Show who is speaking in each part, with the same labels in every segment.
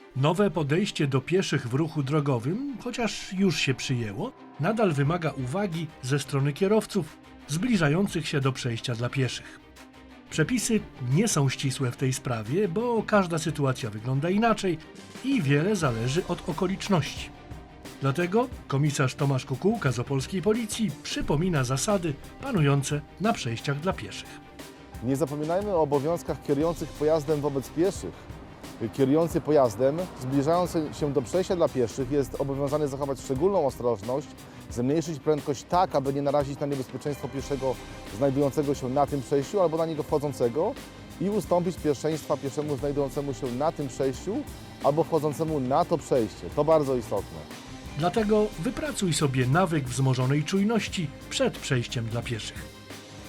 Speaker 1: Nowe podejście do pieszych w ruchu drogowym, chociaż już się przyjęło, nadal wymaga uwagi ze strony kierowców zbliżających się do przejścia dla pieszych. Przepisy nie są ścisłe w tej sprawie, bo każda sytuacja wygląda inaczej i wiele zależy od okoliczności. Dlatego komisarz Tomasz Kukułka z opolskiej policji przypomina zasady panujące na przejściach dla pieszych.
Speaker 2: Nie zapominajmy o obowiązkach kierujących pojazdem wobec pieszych. Kierujący pojazdem, zbliżając się do przejścia dla pieszych, jest obowiązany zachować szczególną ostrożność, zmniejszyć prędkość tak, aby nie narazić na niebezpieczeństwo pieszego znajdującego się na tym przejściu albo na niego wchodzącego i ustąpić pierwszeństwa pieszemu znajdującemu się na tym przejściu albo wchodzącemu na to przejście. To bardzo istotne.
Speaker 1: Dlatego wypracuj sobie nawyk wzmożonej czujności przed przejściem dla pieszych.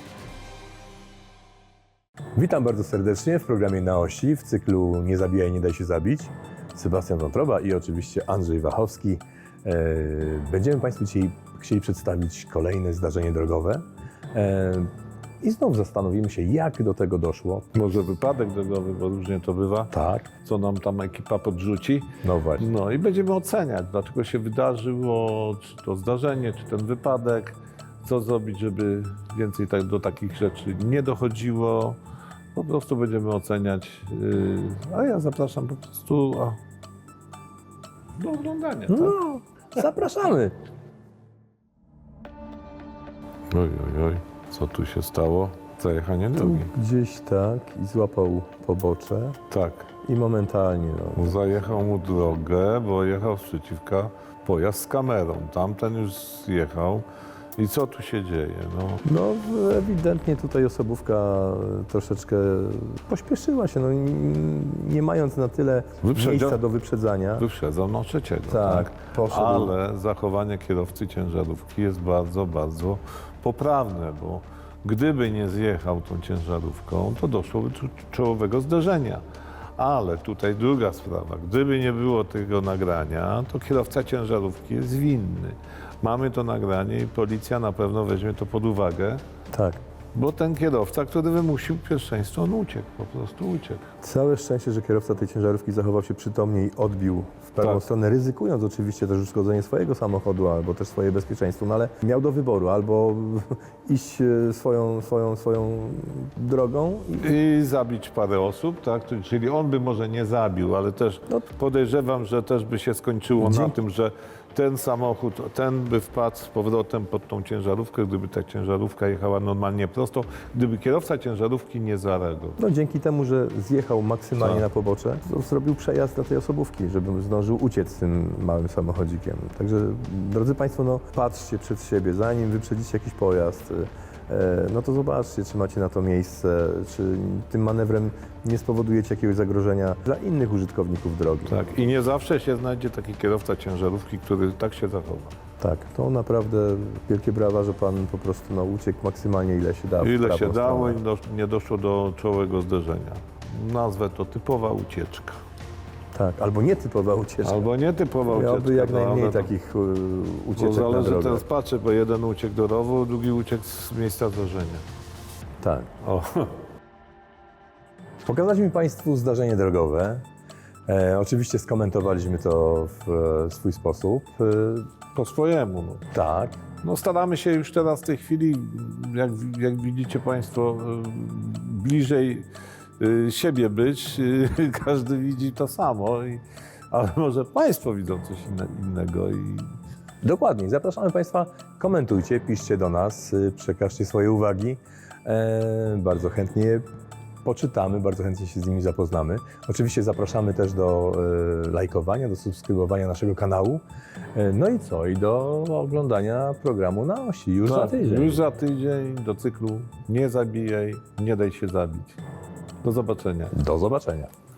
Speaker 3: Witam bardzo serdecznie w programie Na Osi w cyklu Nie zabijaj, nie daj się zabić. Sebastian Wątroba i oczywiście Andrzej Wachowski. Będziemy Państwu dzisiaj chcieli przedstawić kolejne zdarzenie drogowe i znów zastanowimy się, jak do tego doszło.
Speaker 4: Może wypadek drogowy, bo różnie to bywa,
Speaker 3: Tak,
Speaker 4: co nam tam ekipa podrzuci.
Speaker 3: no właśnie.
Speaker 4: No i będziemy oceniać, dlaczego się wydarzyło, czy to zdarzenie, czy ten wypadek, co zrobić, żeby więcej do takich rzeczy nie dochodziło. Po prostu będziemy oceniać, a ja zapraszam po prostu do oglądania. Tak?
Speaker 3: No, zapraszamy.
Speaker 4: Oj, co tu się stało? Zajechanie drogi.
Speaker 3: Gdzieś tak i złapał pobocze
Speaker 4: Tak,
Speaker 3: i momentalnie, no,
Speaker 4: zajechał mu drogę, bo jechał sprzeciwka pojazd z kamerą. Tamten już zjechał. I co tu się dzieje?
Speaker 3: No ewidentnie tutaj osobówka troszeczkę pośpieszyła się, no, nie mając na tyle miejsca do wyprzedzania.
Speaker 4: Wyprzedzał trzeciego.
Speaker 3: Tak, poszedł.
Speaker 4: Ale zachowanie kierowcy ciężarówki jest bardzo, bardzo poprawne, bo gdyby nie zjechał tą ciężarówką, to doszłoby do czołowego zderzenia. Ale tutaj druga sprawa, gdyby nie było tego nagrania, to kierowca ciężarówki jest winny. Mamy to nagranie i policja na pewno weźmie to pod uwagę,
Speaker 3: Tak.
Speaker 4: bo ten kierowca, który wymusił pierwszeństwo, on uciekł, po prostu uciekł.
Speaker 3: Całe szczęście, że kierowca tej ciężarówki zachował się przytomnie i odbił w prawą
Speaker 4: Tak.
Speaker 3: stronę, ryzykując oczywiście też uszkodzenie swojego samochodu albo też swoje bezpieczeństwo, no ale miał do wyboru albo iść swoją drogą
Speaker 4: I zabić parę osób, tak? Czyli on by może nie zabił, ale też podejrzewam, że też by się skończyło na tym, że ten samochód, ten by wpadł z powrotem pod tą ciężarówkę, gdyby ta ciężarówka jechała normalnie prosto, gdyby kierowca ciężarówki nie zareagował.
Speaker 3: no dzięki temu, że zjechał maksymalnie
Speaker 4: Tak.
Speaker 3: na pobocze, to zrobił przejazd dla tej osobówki, żeby zdążył uciec tym małym samochodzikiem. Także drodzy Państwo, no patrzcie przed siebie, zanim wyprzedzicie jakiś pojazd, no to zobaczcie, czy macie na to miejsce, czy tym manewrem nie spowodujecie jakiegoś zagrożenia dla innych użytkowników drogi.
Speaker 4: Tak. I nie zawsze się znajdzie taki kierowca ciężarówki, który tak się zachowa.
Speaker 3: Tak, to naprawdę wielkie brawa, że Pan po prostu uciekł maksymalnie ile się dało. w
Speaker 4: Ile
Speaker 3: prawą
Speaker 4: się dało
Speaker 3: stronę.
Speaker 4: i nie doszło do czołowego zderzenia. Nazwę to typowa ucieczka.
Speaker 3: Tak, albo nietypowa ucieczka.
Speaker 4: Albo nietypowa ucieczka.
Speaker 3: Miałby jak najmniej
Speaker 4: ale to-
Speaker 3: takich
Speaker 4: Bo
Speaker 3: ucieczek na
Speaker 4: zależy,
Speaker 3: drogę.
Speaker 4: teraz patrzę, bo jeden uciekł do rowu, drugi uciekł z miejsca zdarzenia.
Speaker 3: Tak.
Speaker 4: O,
Speaker 3: Pokazaliśmy Państwu zdarzenie drogowe. Oczywiście skomentowaliśmy to w swój sposób.
Speaker 4: po swojemu.
Speaker 3: Tak.
Speaker 4: No staramy się już teraz w tej chwili, jak widzicie Państwo, bliżej siebie być. Każdy widzi to samo, ale może Państwo widzą coś innego.
Speaker 3: Dokładnie. Zapraszamy Państwa, komentujcie, piszcie do nas, przekażcie swoje uwagi. Bardzo chętnie poczytamy, bardzo chętnie się z nimi zapoznamy. Oczywiście zapraszamy też do lajkowania, do subskrybowania naszego kanału. No i co? I do oglądania programu Na Osi już za tydzień.
Speaker 4: Już za tydzień do cyklu Nie zabijaj, nie daj się zabić. Do zobaczenia.
Speaker 3: Do zobaczenia.